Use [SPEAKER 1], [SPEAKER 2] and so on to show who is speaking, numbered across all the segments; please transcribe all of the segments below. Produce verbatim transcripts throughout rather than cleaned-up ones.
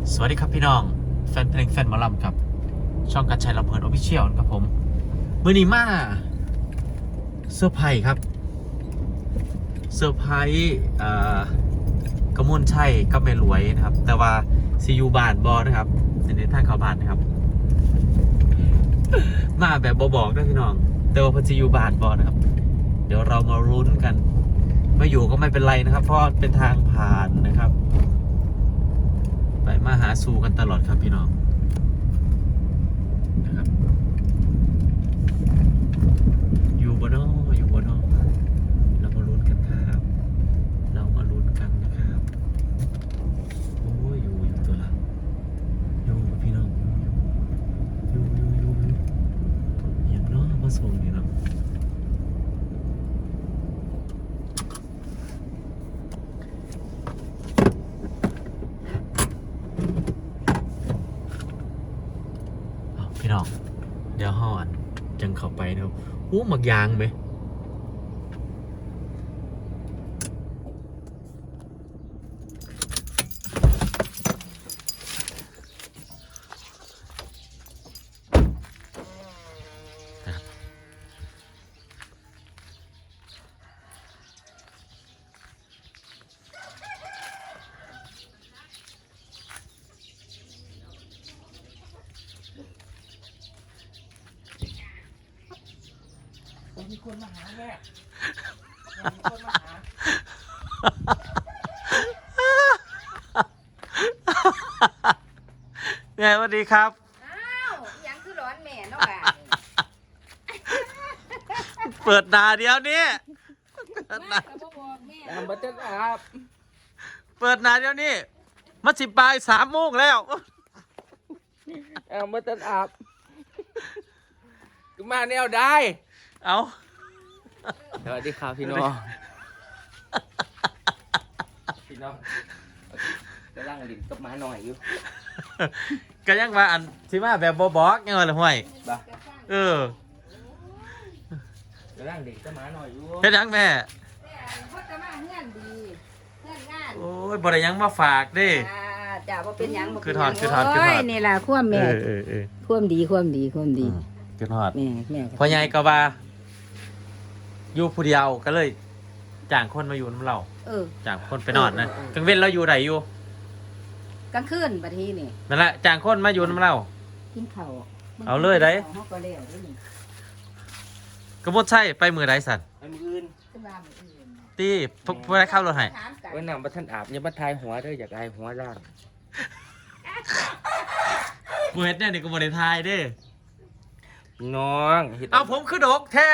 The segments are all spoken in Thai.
[SPEAKER 1] สวัสดีครับพี่น้องแฟนเพลงแฟนหมอลำครับช่องการชัยลำเพลินออฟฟิเชียลครับผมมื่อนี้มาเซอร์ไพรส์ครับเซอร์ไพรส์กระมวลชัยกับแม่รวยนะครับแต่ว่าซียูบานบอนะครับในทางเขาบานนะครับมาแบบบอบอกนะพี่น้องแต่ว่าพันซียูบานบอนะครับเดี๋ยวเรามาลุ้นกันไม่อยู่ก็ไม่เป็นไรนะครับเพราะเป็นทางผ่านนะครับไปมาหาสู่กันตลอดครับพี่น้องนะครับอยู่บนนออยู่บนนอเรามาลุ้นกันครับเรามาลุ้นกันนะครับโอ้ยอยู่อยู่ตัวละอยู่กับพี่น้องอยู่อยู่อยู่อยู่อย่างน้อมาส่งนี่เนาะพี่น้องเดี๋ยวห่อนจังเข้าไปนะครับอู้หมักยางไหม
[SPEAKER 2] มีคนมาหาแม่มีคนมาหา
[SPEAKER 1] แม่สวัสดีครับ
[SPEAKER 3] อ้าวยังคือร้อนแม่เนาะบ้าน
[SPEAKER 1] เปิดหน้าเดียวนี้เปิดหน้า
[SPEAKER 3] ก็บ่บอกแม่
[SPEAKER 2] น้ำบัตเตอร์อาบ
[SPEAKER 1] เปิดหน้าเดียวนี้มาสิบบ่ายสามโมงแล้ว
[SPEAKER 2] น้ำบัตเตอร์อาบมาแนวได้
[SPEAKER 1] เอา
[SPEAKER 2] สวัสดีครับพี่น้องพี่น้องกำลังลิ้นกับหมาหน่อยอยู่
[SPEAKER 1] ก็ยังว่าอันที่มาแบบบอบอกยังไงล่ะห่วย
[SPEAKER 2] บ้า
[SPEAKER 1] เออก
[SPEAKER 2] ำลังลิ้นกับหมาหน่อยอยู่
[SPEAKER 1] เฮ็ดหยังแม่
[SPEAKER 3] แต่พ่อจะมาเฮือนดีเฮือนงาน
[SPEAKER 1] โอ้ยบ่ได้หยังมาฝากเด้
[SPEAKER 3] อ่าจ้าบ่เป็นหยังบ่
[SPEAKER 1] คือ
[SPEAKER 3] เป็น
[SPEAKER 1] ถอดคือถอดคือถอด
[SPEAKER 3] โยนี่ล่ะความ
[SPEAKER 1] เอ
[SPEAKER 3] แม่
[SPEAKER 1] อเออเออ
[SPEAKER 3] ความดีความดีความดี
[SPEAKER 1] กินฮอด
[SPEAKER 3] แม่แม่
[SPEAKER 1] พ่อใหญ่ก็ว่าอยู่ผู้เดียวก็เลยจ้างคนมาอยู่น้ำเรา
[SPEAKER 3] เออ
[SPEAKER 1] จ้างคนไปนอนนะกลางเว้นเราอยู่ไหนอยู่
[SPEAKER 3] กลางคืนบัดนี้นี่
[SPEAKER 1] นั่นแหละจ้างคนมาอยู่น้ำเรา
[SPEAKER 3] กินข้าว
[SPEAKER 1] เอาเลยได้
[SPEAKER 3] เฮาก็แล้วเด้อนี่
[SPEAKER 1] กระมดใช่ไปมือไรสัน
[SPEAKER 2] ไอ้มืออื่น
[SPEAKER 3] ขึ้นมามื้ออื่น
[SPEAKER 1] ตีพวกพวกได้เข้ารถให้
[SPEAKER 3] ถามกัน
[SPEAKER 2] ไว้น้ำบัตเตอร์อาบอย่ามาทายหัวเด้ออยากอายหัวล่าง
[SPEAKER 1] กูเฮ็ดเนี่ยนี่กูบริทายเด้
[SPEAKER 2] น้องฮ็ด
[SPEAKER 1] เอาผมคือดกแท้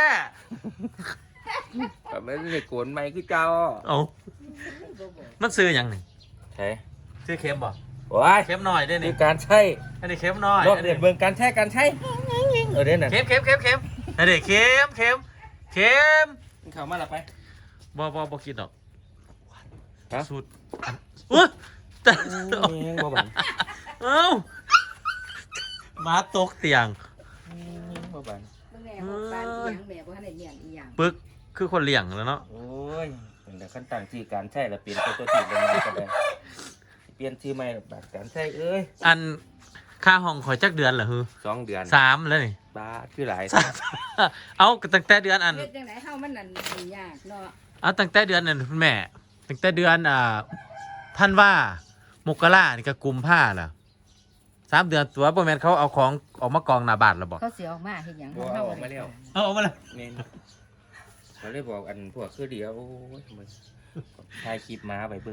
[SPEAKER 2] แบบไม่ได้โกนไม้คือเจ้า
[SPEAKER 1] เอามันซื้ออย่างหนึ่ง
[SPEAKER 2] ใช่
[SPEAKER 1] ซื้อเค็มบ่
[SPEAKER 2] โอ้ย
[SPEAKER 1] เค็มหน่อยได้
[SPEAKER 2] คื
[SPEAKER 1] นี่
[SPEAKER 2] อการใช้
[SPEAKER 1] อันนี้เค็มหน่อย
[SPEAKER 2] รอบเดือดเบิ่งการใช้การใช้เออเด่นน่ะ
[SPEAKER 1] เค็มเค็มเค็มเค็มอันนี้เค็มเค็มเค็ม
[SPEAKER 2] เข้ามาละไป
[SPEAKER 1] บ่บ่บ่กินดอก
[SPEAKER 2] ฮะ
[SPEAKER 1] สูตรอุ้ยแต่
[SPEAKER 2] โอ้ยยังบ่บัน
[SPEAKER 1] เอ้ามาตกเตียง
[SPEAKER 2] บ่บัน
[SPEAKER 3] แม่บอกบ้านอีหยังแม่บ่ทันได้เลี้ยงอีหยัง
[SPEAKER 1] ปึกคือคนเลี้ยงแล้วเนาะ
[SPEAKER 2] โอ้ยเป็นแต่ขั้นต่างที่การใช้แล้วเปลี่ยนตัวตัวที่ลงมาก็ได้เปลี่ยนชื่อใหม่แบบการใช้เอ้ย
[SPEAKER 1] อันค่าห้องข่อยจักเดือนเหรอฮือ
[SPEAKER 2] สองเดือน
[SPEAKER 1] สามแล้วนี่
[SPEAKER 2] บาทคือหลาย
[SPEAKER 1] สามเอาตั้งแต่เดือนอัน
[SPEAKER 3] เฮ็ดจังได๋เฮามันนั่นมันยากเนาะ
[SPEAKER 1] เอาตั้งแต่เดือนนั่นคุณแม่ตั้งแต่เดือนอ่าท่านว่ามกรานี่ก็กุมผ้าล่ะสามเดือนตัวประมาณเขาเอาของออกมากองหน้าบ้านแล้วบอก
[SPEAKER 3] เขาสิออกมาเฮ็ดหยัง
[SPEAKER 2] บ่
[SPEAKER 3] เฮา
[SPEAKER 2] ออกมาแล้ว
[SPEAKER 1] เอาออกมาแล้ว
[SPEAKER 2] เมนเขาเลยบอกอันพวกคือเดียวโอ้ยมึงถ่ายคลิปมาไปเบิ่ง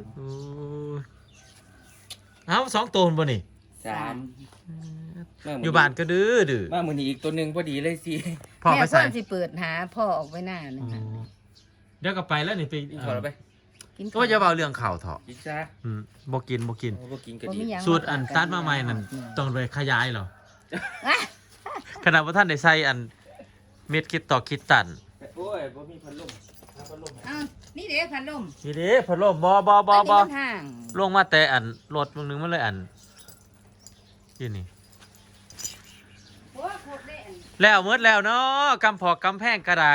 [SPEAKER 1] เอาสองตัวบ่นี่
[SPEAKER 2] สามม
[SPEAKER 1] อยู่บ้านก็ดื้อดื้อ
[SPEAKER 2] มามื้อนี้อีกตัวหนึงพอดีเลยสิ
[SPEAKER 1] พ่อไป
[SPEAKER 3] แม่
[SPEAKER 1] ใส่
[SPEAKER 3] เพิ่นสิเปิดหาพ่อออกไปหน้านึ
[SPEAKER 1] อ๋
[SPEAKER 3] ง
[SPEAKER 1] อเดี๋ยวก็ไปแล้วนี่ไป
[SPEAKER 2] กินข้าวแล้วไป
[SPEAKER 3] กิน
[SPEAKER 1] ก็จะเอาเรื่องข่าวเถอะ
[SPEAKER 2] กินซะ
[SPEAKER 1] อืมบ่กินบ่กิน
[SPEAKER 2] โอ้บ่กินก็
[SPEAKER 3] บ่
[SPEAKER 2] ดี
[SPEAKER 3] มีหยัง
[SPEAKER 1] สูตรอันตัดมาใหม่นั่นต้องไปขยายเหรอ
[SPEAKER 3] อ่ะ
[SPEAKER 1] ขนาดว่าท่านได้ใส่อันเม็ดคิดต่อคิดตัน
[SPEAKER 2] โอ้ยบ่มีพัดลมหาพัดลมให้
[SPEAKER 3] อ้าวนี่เด้พัดลม
[SPEAKER 1] นี่เด้พัดลมบ่บ่บ่บ่
[SPEAKER 3] อันนี้มันห่าง
[SPEAKER 1] ลงมาแต่อันรถมึงนึงมันเลยอันยี่นี่
[SPEAKER 3] โอ้โคตรเด้อัน
[SPEAKER 1] แล้วเมื่อแล้วเนาะกำพอกกำแพงกระได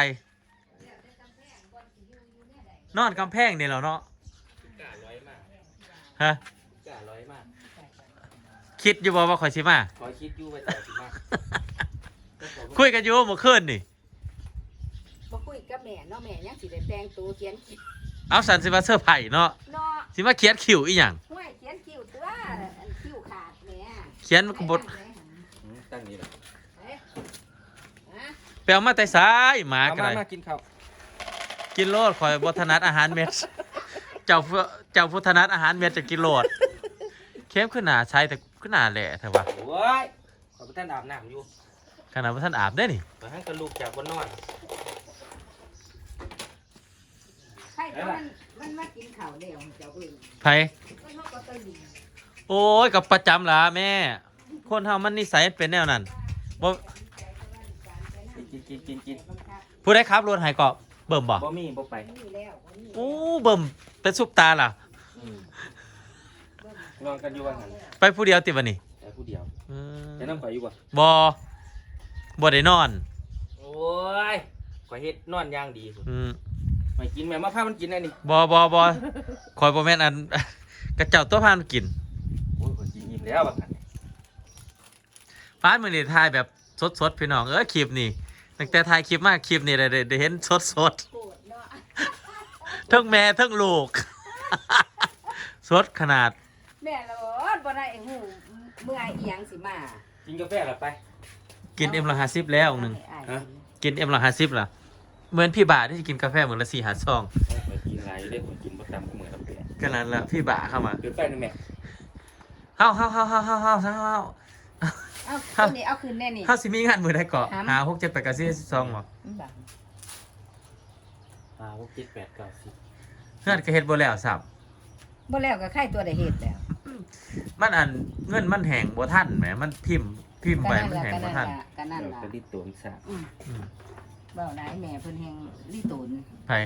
[SPEAKER 1] นอนกำแพงนี่แล้วเนาะ
[SPEAKER 2] กล้าร้อยมาก
[SPEAKER 1] ฮะ
[SPEAKER 2] กล้าร้อยมาก
[SPEAKER 1] คิดอยู่บ่ว่าข่อยสิมา
[SPEAKER 2] ขอคิดอยู่ไปแต่สิมา
[SPEAKER 1] คุยกันอยู่เมื่อคืนนี่
[SPEAKER 3] บ่คุยกับแม่เนาะแม่ยังสิได้แต่งตัวเขียนคิ้ว
[SPEAKER 1] เอาสันสิมาเสื้อร์ไผ่เนาะ
[SPEAKER 3] เนาะ
[SPEAKER 1] สิมาเขียนคิวอีหยัง
[SPEAKER 3] ห้วยเขียนคิ้วตัวอันคิ้วขาดแม่
[SPEAKER 1] เขียนบท
[SPEAKER 2] อืมตั้งนี้แหละ
[SPEAKER 3] เอ๊ะฮะ
[SPEAKER 1] ไปเอามาแต่ซ้ายหมา
[SPEAKER 2] เอา
[SPEAKER 1] กัน
[SPEAKER 2] มา
[SPEAKER 1] เลย
[SPEAKER 2] มากินข้าว
[SPEAKER 1] กินโลดข่อยบ่ถนัดอาหารเม็ด เจ้าผู้เจ้าผู้ถนัดอาหารเม็ดจะกินโลดเข้มขึ้นหนาใช้แต่ขึ้นหนาแหละเถอะวะ
[SPEAKER 2] โอ้ยขอไปท่านอาบน้ำอยู่
[SPEAKER 1] ขนาดว่าท่านอาบได้นี่
[SPEAKER 2] ไปให้กระลูกจากบนนอน
[SPEAKER 3] ใช่แต่มันมันมากินข้าวเดียวเจ้าเอ้ย
[SPEAKER 1] ไผ
[SPEAKER 3] มันเขาก็ตัวดี
[SPEAKER 1] โอ้ยกับประจำล่ะแม่ คนเฮามันนิสัยเป็นแนวนั้นบ่
[SPEAKER 2] กินกินกินกิน
[SPEAKER 1] ผู้ใดขับรถให้ก็เบิ่มบ่
[SPEAKER 2] บ่มีบ่ไป
[SPEAKER 3] นี่แล้วบ่มี
[SPEAKER 1] โอ้เบิ่มเป็นซุปตาล่ะ
[SPEAKER 2] อืมนอนกันอยู่ว่างั้น
[SPEAKER 1] ไปผู้เดียวติบัดนี้
[SPEAKER 2] แต่ผู้เดียว
[SPEAKER 1] อืม
[SPEAKER 2] จะนั่งไปอยู่บ่
[SPEAKER 1] บ่บ่ได้นอน
[SPEAKER 2] โอ้ยข่อยเฮ็ดนอนอย่างดีสุด
[SPEAKER 1] อืม
[SPEAKER 2] ไม่กินแม่มาพามันกินได้นี่
[SPEAKER 1] บ่บ่บ่ข่อยบ่แม่นอัน กระเจ้าตัวพานกิน
[SPEAKER 2] โอ้ยข่อยกินอิ่มแล้วว่างั้น
[SPEAKER 1] ฟ้านมื้อนี้ถ่ายแบบสดๆพี่น้องเอ้ยคลิปนี้ตั้งแต่ถ่ายคลิปมาคลิปนี้ได้ได้ได้เห็นสด
[SPEAKER 3] โกรธเนาะ
[SPEAKER 1] ๆทั้งแม่ทั้งลูก สดขนาด
[SPEAKER 3] แม่ละบ่บ่ได้หูเมื่ออีหยังสิมา
[SPEAKER 2] กินกาแฟหรอไป
[SPEAKER 1] กินเอ็มละห้าสิบแล้วหนึง
[SPEAKER 3] อ้าย
[SPEAKER 2] ฮะ
[SPEAKER 1] กินเอ็มละห้าสิบล่ะเหมือนพี่บ่าที่จะกินกาแฟเหมือนละสี่หาซอง
[SPEAKER 2] ข่อยกินหลายอยู่เด้ข่อยกินบ่ตามกับมื้อละเปลี่ยน
[SPEAKER 1] ก็นั้นละพี่บ่าเข้ามา
[SPEAKER 2] เกินไปนึงแม่
[SPEAKER 1] เฮาเฮาเฮาเฮาเฮาเฮาเฮาเฮา
[SPEAKER 3] เอาตัวนี้เอาคืนแน่นี่
[SPEAKER 1] เฮาสิมีงานมือได้เกาะ
[SPEAKER 3] ครับ
[SPEAKER 1] หาหกเจ็ดแปดเก้าสิบสิบสองบ่
[SPEAKER 3] อืมบัง
[SPEAKER 2] ห้าหกเจ็ดแปดเก้าสิบ
[SPEAKER 1] เงินก็เฮ็ดบ่แล้วสับ
[SPEAKER 3] บ่แล้วก็ไข่ตัวได้เฮ็ดแล้ว
[SPEAKER 1] มันอันเงินมันแห้งบ่ทันแหมมันพิมพ์พิมพ์
[SPEAKER 3] ก็
[SPEAKER 1] ไป
[SPEAKER 3] นั่น
[SPEAKER 1] มัน
[SPEAKER 3] ล่ะ
[SPEAKER 1] แห้ง
[SPEAKER 3] ก็
[SPEAKER 1] บ่
[SPEAKER 3] นั่น
[SPEAKER 1] ทัน
[SPEAKER 3] ล่ะก็นั่น
[SPEAKER 2] เรา
[SPEAKER 3] ล่ะ
[SPEAKER 2] ก็รีดตัวมันซะ
[SPEAKER 3] อืม
[SPEAKER 1] อืม
[SPEAKER 3] เว้าหลายแม่เพิ่นแฮงรีตูน
[SPEAKER 1] ไผ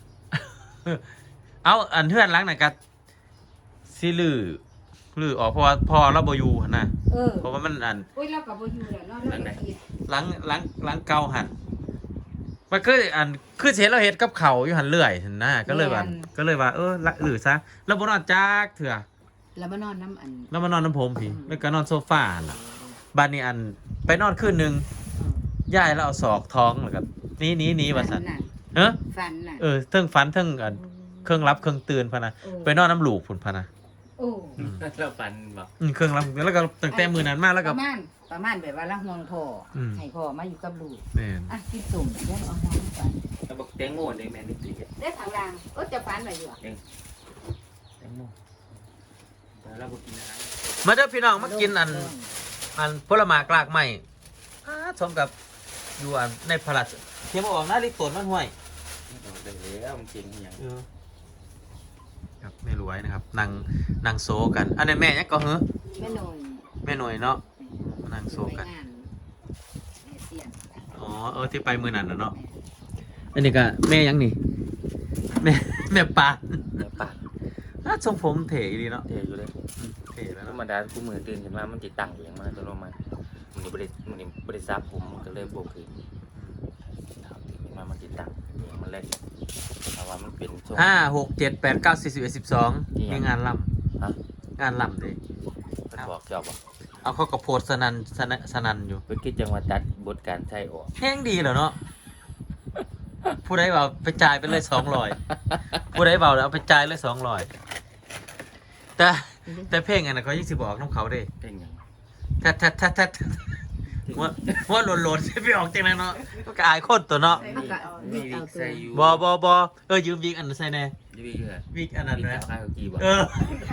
[SPEAKER 1] เอาอันเทือนหลังน่ะก็สิลือลือออกเพราะว่าพอเราบ่อยู่หั่นน่ะ
[SPEAKER 3] เออ
[SPEAKER 1] เพราะว่ามันอัน
[SPEAKER 3] โอ้ยเราก็บ่อยู่แล้วเนาะเราก็คิด
[SPEAKER 1] หลังหลังหลังเก่าหันมันคืออันคือเห็นเราเฮ็ดกับเขาวอยู่หันเรื่อยเห็นหน้าก็เลยว่าก็เลยว่าเออละหรือซะแล้วบ่นอนจักเถื่อ
[SPEAKER 3] แล้วมานอนน้ำอัน
[SPEAKER 1] แล้วมานอนน้ำผมพี่แล้วก็นอนโซฟาน่ะบ้านนี้อันไปนอนคืนหนึงยายแล้วเอาศอกท้องแล้วก็หนี้นี้นี้ว่าซั่น
[SPEAKER 3] น่ะ
[SPEAKER 1] เอ้อ
[SPEAKER 3] ฟันน่ะ
[SPEAKER 1] เออเทิงฝันเทิงอันเครื่องรับเครื่องตื่นพะนะไปนอนน้ำหลูกพุ่นพะนะ
[SPEAKER 3] โอ้
[SPEAKER 2] เราฟันบอก
[SPEAKER 1] อืมเครื่องรับแล้วก็ตั้งแต่มื้อนั้นมาแล้ว
[SPEAKER 3] ป
[SPEAKER 1] ก็
[SPEAKER 3] ระมาณประมาณแบบว่าละห่วงพ่ออ
[SPEAKER 1] ม
[SPEAKER 3] ให้พ่อมาอยู่กับลูก
[SPEAKER 1] แม่น
[SPEAKER 3] อ่ะกินสุ่มเดี๋ยวเอาน้ำไป
[SPEAKER 2] เราบอกแตงโมเลยแม่นี่ตีแ
[SPEAKER 3] ได้ทางล่างก็จะฟันไว้อยู่อะ
[SPEAKER 2] ตงโมแต่เราบอกกินอะไร
[SPEAKER 1] มาเด้อพี่น้องมากินอัน อันผลไม้กลากใหม่อ่าสมกับอยู่อันในพลัดเทียมออกหน้าลิตรมันห่วย
[SPEAKER 2] เราเดินแล้วมันเก่งอย่าง
[SPEAKER 1] ครับไม่รวยนะครับนางนางโซกัน อันนี้แม่ยังก็เฮ้อ
[SPEAKER 3] แม่หน่อย
[SPEAKER 1] แม่หน่วยเนาะนางโซ
[SPEAKER 3] ไป
[SPEAKER 1] กัน
[SPEAKER 3] งานแม่เสียน
[SPEAKER 1] อ๋อเออที่ไปมือนั่นน่ะเนาะอันนี้ก็แม่ยังนี่แม่แม่ปาน
[SPEAKER 2] เนื้อปลา
[SPEAKER 1] น่าทรงผมเถ่ดีเนาะ
[SPEAKER 2] เทอยู่เลย
[SPEAKER 1] อืมเถ่แล้ว
[SPEAKER 2] ธร
[SPEAKER 1] เนาะ
[SPEAKER 2] รมดาคู่มือตื่นขึ้นมามันติดตั้งเองมาตัวลงมามันบริมันบริษัทผมมันก็เลยโบกขึ้นถามตื่นขึ้นมามันติดตั้งเองมันเล่นแต่ว่ามันเป็นช่วง
[SPEAKER 1] ห้าหกเจ็ดแปดเก้าสี่สิบเอ็ดสิบสอง
[SPEAKER 2] นี่ไง
[SPEAKER 1] มีงานล่
[SPEAKER 2] ฮะ
[SPEAKER 1] ำงานล่ำเลย
[SPEAKER 2] มันบอกเจ้าบอก
[SPEAKER 1] เอาเขากระโพดสนันสนันสนันอยู่
[SPEAKER 2] เป็นคิดจังหวัดตัดบทการใช้ออก
[SPEAKER 1] แห้งดีเหรอเนาะผู้ใดบอกไปจ่ายไปเลยสองร้อยผู้ใดบอกแล้วเอาไปจ่ายเลยสองร้อยแต่แต่เพลงอันนั้นเขายิ่งสิบอกน้องเขาเด้
[SPEAKER 2] เป็นอย่าง
[SPEAKER 1] แทดแทดแทดแทดว่าว่าโหลดโหลดจะไปออกจากนั้นเนาะก็อายคนตัวเนาะ
[SPEAKER 2] นี่นี่วิกใส่อยู่
[SPEAKER 1] บอบอบอเออยืมวิกอันนั้นใส่แน่
[SPEAKER 2] ยูวิกเหรอ
[SPEAKER 1] วิกอันนั้น
[SPEAKER 2] วิก
[SPEAKER 1] นะ
[SPEAKER 2] สาวข้าวกีบอก
[SPEAKER 1] เออ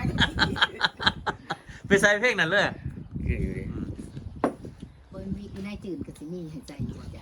[SPEAKER 1] ไปใส่เพลงนั้นเลย
[SPEAKER 2] คืออยู่ดิ
[SPEAKER 3] เปิ้นมีอยู่ในจืดก็สิมีให้ใจอยู่จ้ะ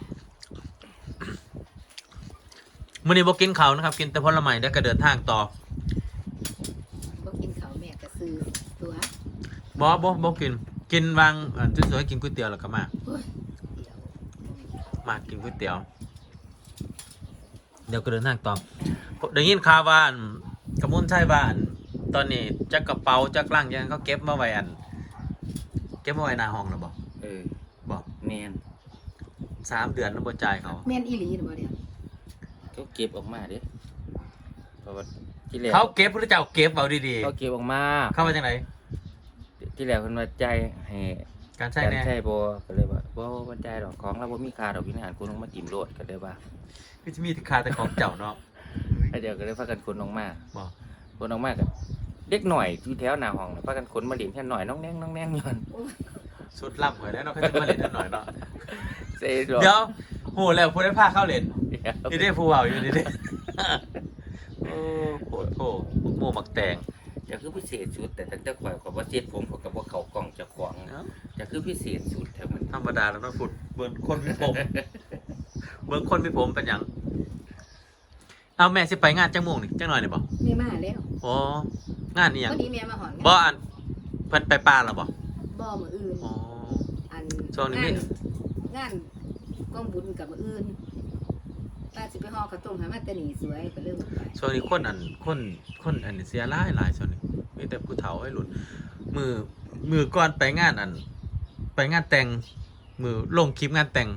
[SPEAKER 1] มื่อนี้บอกกินเขาวนะครับ กินแต่ผลไม้แล้วก็เดินทางต่อ
[SPEAKER 3] บ่กินข้าวแม่ก็ซื้อตัว
[SPEAKER 1] บอบอกกิน กินวางอันสวยๆกินก๋วยเตี๋ยวแล้วก็มา
[SPEAKER 3] เฮ้ยเดี๋ยว
[SPEAKER 1] มากินก๋วยเตี๋ยว เดี๋ยวก็เดินทางต่อได้ยินข่าวว่าอันกระมุนใช่ว่าอันตอนนี้จักกระเป๋าจักล่างยังเขาเก็บมาไว้อัน เก็บมาไว้หน้าห้องแล้วบอก
[SPEAKER 2] เออ
[SPEAKER 1] บอก
[SPEAKER 2] แมน
[SPEAKER 1] สามเดือนแล้วบ่จ่ายเขา
[SPEAKER 3] แม่นอีหลีหรือบ่เดี๋ยว
[SPEAKER 2] เขาเก็บออกมาเด้เพราะว่าที่แรก
[SPEAKER 1] เขาเก็บพระเจ้าเก็บเอาดี
[SPEAKER 2] เขาเก็บออกมา
[SPEAKER 1] ๆเข้ามาจากไหน
[SPEAKER 2] ที่แรกเพิ่นว่าใจายให้
[SPEAKER 1] การใช้
[SPEAKER 2] การ
[SPEAKER 1] แน่
[SPEAKER 2] ใช่บ่ก็เลยว่าบ่บ่ใจายดอกของเราบ่มีค่าดอกวิหารคุณลงมาจิ้มโลดก็เลยว่า
[SPEAKER 1] คือจะมีคาแต่ของเจ้าเนาะ
[SPEAKER 2] ไอ้เดี๋ยวก็เลยพากันขนออกมา
[SPEAKER 1] บอก
[SPEAKER 2] ขนออกมากับเด็กหน่อยที่แถวหน้าห้องน่ะพากันขนมาเล่นแค่หน่อยน้องแนงน้องแนงอยู่นั่น
[SPEAKER 1] สุดล่ำเหมือนแล้วเนาะเขาจะมาเล่นหน่อยเนาะ
[SPEAKER 2] เซ่ดอก
[SPEAKER 1] เดี๋ยวโหแล้วพูดได้พาเข้าเล่น
[SPEAKER 2] เดี๋ยว
[SPEAKER 1] นี่ได้ผู้เบาอยู่นี่ได้โอ้โหโถโมหมักแตง
[SPEAKER 2] จะคือพิเศษสุดแต่ตั้งแต่ข่อยข่อยบ่เซ็ตผมข่อยก็บ่เข้ากล้องเจ้าของ
[SPEAKER 1] เอ้า
[SPEAKER 2] จะคือพิเศษสุดแถวมัน
[SPEAKER 1] ธรรมดาแล้วต้องฝึกเบิ่งคนมีผมเบิ่งคนมีผมเป็นหยังเอาแม่สิไปงานจังโมงนี่จังหน่อยนี่บ่
[SPEAKER 3] แม่มาแล้ว
[SPEAKER 1] อ๋อ งานนี่ยัง
[SPEAKER 3] วันนี้แม่มาหอน
[SPEAKER 1] บ่อันเพิ่นไปป่าแล้วบ่
[SPEAKER 3] บ่มืออื่น
[SPEAKER 1] อ๋อ
[SPEAKER 3] อัน
[SPEAKER 1] ช่วงนี้มี
[SPEAKER 3] งานงานกองบุญกับมืออื่นป้าสิไปห่อข้าวต้มให้มาแต่นี่สวยก็เริ่มไป
[SPEAKER 1] ช่วงนี้คนอันคนคนอันนี้เสียหลายหลายช่วงนี้มีแต่ผู้เฒ่าให้หลุดมือมือก่อนไปงานอัน ไปงานแต่งมือลงคลิปงานแต่ง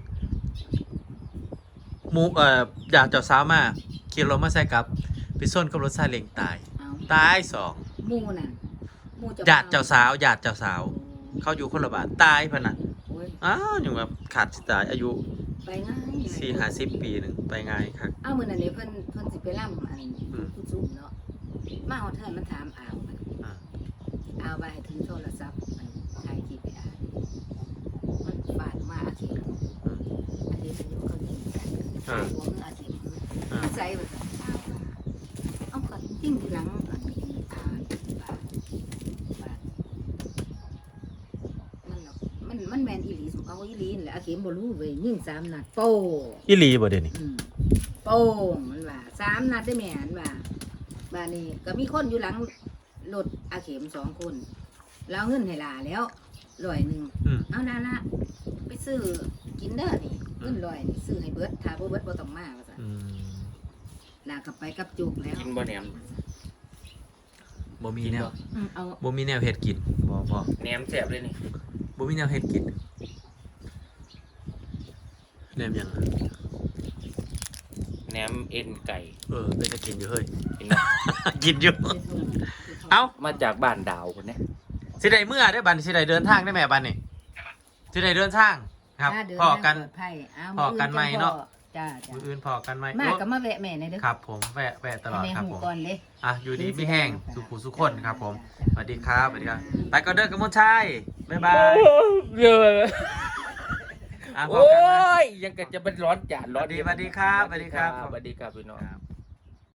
[SPEAKER 1] หมูเอ่ออยากเจ้าสาวมาขี่รถมาใส่กับไปส้นกับรถซาเล้งตาย
[SPEAKER 3] เอา
[SPEAKER 1] ตายสอง
[SPEAKER 3] หมู่นั่นหมู่
[SPEAKER 1] ญาติเจ้าสาวญาติเจ้าสาว เขาอยู่คนละบ้านตายพะน่ะ
[SPEAKER 3] โอ้ย
[SPEAKER 1] อ้าวอย่างแบบขาดสิตายอายุ
[SPEAKER 3] ไปง่าย
[SPEAKER 1] สี่ห้าสิบปีหนึ่งไปง่ายครับ
[SPEAKER 3] เอามื้อนั้นนี่เพิ่นเพิ่นสิไปล่ำอัน
[SPEAKER 1] อืม
[SPEAKER 3] ผู้ซุ่มเนาะมาฮอดเทินมันถามอ้าวมัน
[SPEAKER 1] อ่า
[SPEAKER 3] เอาไปถือโทรศัพท์มันถ่ายคลิปไปอ่านมันฝาดมาอาทิตย์อาทิตย์อายุเขายิงกันถ่ายหัวมืออาทิตย์มันใส่แบบเอาก็ทิ้งทีหลังอันนี้อ่านบาดบาดมันหรอกมันมันแมนอีหลีสมเอาอีหลีนั่นแหละอาเข็มบ่รู้เว้ยยิงสามนัดโป้
[SPEAKER 1] อีหลีบ่เดี๋ยวนี้
[SPEAKER 3] อืมโป้งมันว่าสามนัดได้แม่นว่าบ้านนี้ก็มีคนอยู่หลังรถอาเข็มสองคนแล้วเงินให้หลาแล้วร้อยหนึ่ง
[SPEAKER 1] อืม
[SPEAKER 3] เอาละละไปซื้อกินเด้อนี่เงินร้อยนี่ซื้อให้เบิดถ้าบ่เบิดบ่ต้องมาว่าซั่น
[SPEAKER 1] อืม
[SPEAKER 3] ลากลับไปกับจุกแล้ว
[SPEAKER 2] กินบ่แหนม
[SPEAKER 1] บ่มีแนว
[SPEAKER 3] อืมเอา
[SPEAKER 1] บ่มีแนวเฮ็ดกินบ่บ่
[SPEAKER 2] แหนมแซ่บเลยนี่
[SPEAKER 1] บ่มีแนวเฮ็ดกินแนมหยังอะ
[SPEAKER 2] แหนมเอ็นไก่
[SPEAKER 1] เออเป็นจะกินอยู่เฮ้ย
[SPEAKER 2] กินนะ
[SPEAKER 1] กินอยู่
[SPEAKER 3] ไปส่ง
[SPEAKER 1] เอ้า
[SPEAKER 2] มาจากบ้านดาวคนเนี้ย
[SPEAKER 1] สิได้เมื่อได้บัดนสิได้เดินทางได้แม่บัดนี่สิได้เดินทางครับ
[SPEAKER 3] ถ้าเดิ
[SPEAKER 1] พอกัน
[SPEAKER 3] ทางปลดภัยเอา
[SPEAKER 1] พอกันไหมเนาะ
[SPEAKER 3] จ้าจ้า
[SPEAKER 1] มื้ออื่นพอกันไหม
[SPEAKER 3] มา
[SPEAKER 1] โอ้
[SPEAKER 3] ก็มาแวะแม่หน่อยเด้อ
[SPEAKER 1] ครับผมแวะแวะตลอด
[SPEAKER 3] ให้แม่
[SPEAKER 1] ครับ
[SPEAKER 3] หู
[SPEAKER 1] ผม
[SPEAKER 3] ก่อนเลย
[SPEAKER 1] อ่ะอยู่ดีไม่แห้งสุขุสุขคนครับผมสวัสดีครับสวัสดีครับไปก่อนเด้อกระมวลชัยบ๊ายบาย
[SPEAKER 2] เยอะ
[SPEAKER 1] อ่ะพอ
[SPEAKER 2] โอ้
[SPEAKER 1] กันนะ
[SPEAKER 2] ยยังก็จะเป็นร้อนจานร้อน
[SPEAKER 1] สวัสดีครับสวัสดีครับ
[SPEAKER 2] สวัสดีครับพี่น้อง
[SPEAKER 1] ครับ